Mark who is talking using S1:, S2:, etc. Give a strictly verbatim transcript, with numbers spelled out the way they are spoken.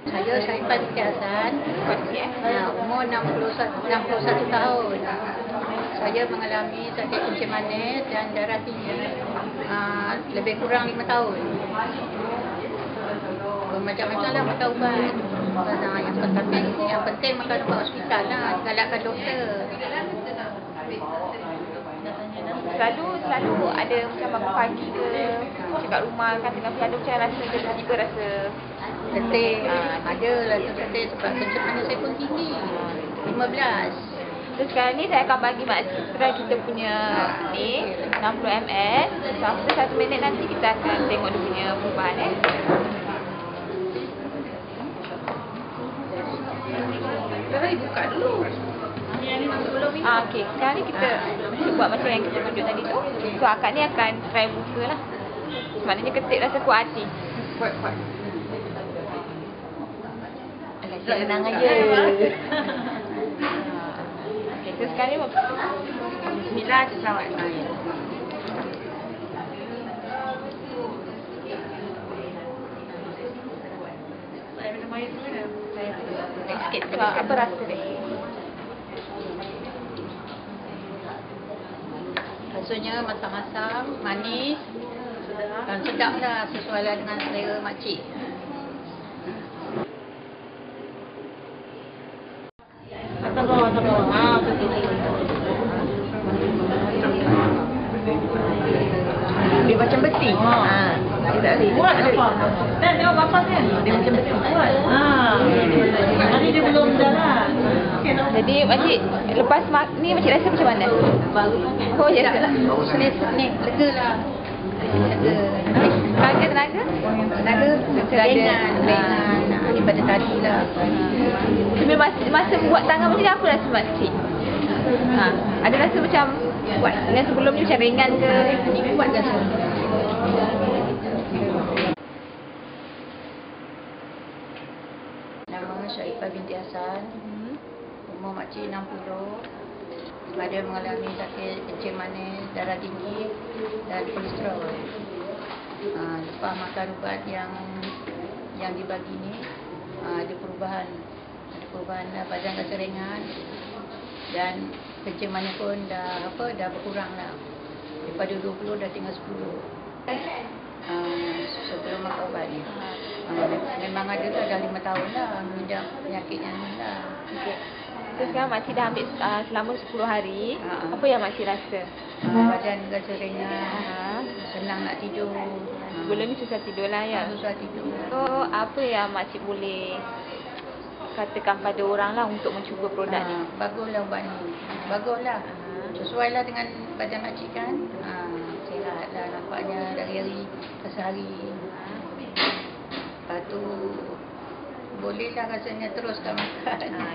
S1: Saya Syaifah binti Hassan. Ya, umur enam puluh satu tahun. Saya mengalami sakit kencing manis dan darah tinggi uh, lebih kurang lima tahun. Macam-macam lah makan ubat. Nah, yang penting, yang penting makan ubat hospital lah, galakkan doktor.
S2: Selalu selalu ada macam bangun pagi ke kat rumah kan tengah berada macam rasa tiba-tiba rasa
S1: letih. Ha, ada rasa letih sebab kencing manis saya pun tinggi. lima belas.
S2: So sekarang ni saya akan bagi Mak Citra kita punya ni enam puluh mililiter. So after satu minit nanti kita akan tengok dia punya perubahan eh.
S1: Sekarang buka dulu.
S2: Ah, okey. Sekarang ni kita, kita buat macam yang kita tunjuk tadi tu. So akak ni akan try buka lah. Maknanya ketik rasa kuat hati.
S1: Kuat-kuat.
S2: Senang aja. Okey, so sekarang ni
S1: bismillah selawat naik. Saya minum air dulu ya. Saya sikit.
S2: So, apa rasa dia?
S1: Rasanya masam-masam, manis dan sedap lah, sesuai lah dengan selera makcik. Atas bawah, atas bawah. Haa, betul. Dia macam beti. Haa. Dia tak boleh. Buat apa? Dan tengok bapak kan? Dia macam beti. Buat. Haa. Hari dia belum jalan.
S2: Jadi makcik lepas mak ni makcik rasa macam mana?
S1: Baru sangat.
S2: Oh ya lah.
S1: Ni lega lah. Lega.
S2: Tenaga tenaga?
S1: Tenaga keringan, keringan daripada tadi lah.
S2: Tapi masa, masa buat tangan macam ni apa rasa makcik? Ha, ada rasa macam buat dengan sebelum ni macam ringan ke?
S1: Ni kuat rasa. Nama Syaifah binti Hassan. Umur makcik enam puluh. Ada mengalami sakit kencing manis, darah tinggi dan kolesterol. Ha, lepas makan ubat yang yang dibagi ni, ha, ada perubahan. Ada perubahan lah, badan rasa ringan dan kencing manis pun dah apa dah berkurang lah. Daripada dua puluh dah tinggal sepuluh. Ha, sebelum makan ubat ni. Ha, memang ada lah, dah lima tahun lah mengidap penyakitnya ni lah.
S2: Okay. So sekarang makcik dah ambil uh, selama sepuluh hari.
S1: Ha.
S2: Apa yang makcik rasa?
S1: Ha, badan rasa ringan,
S2: Ha.
S1: senang nak tidur. Ha.
S2: Sebelum ni susah tidur lah ya?
S1: Susah tidur.
S2: So apa yang makcik boleh katakan pada orang lah untuk mencuba produk
S1: Ha,
S2: ni?
S1: baguslah ubat ni. Baguslah.
S2: Ha.
S1: Sesuai lah dengan badan makcik kan. Ha, sihat lah nampaknya dari hari ke sehari. Lepas tu bolehlah rasanya teruskan makan.
S2: Ha.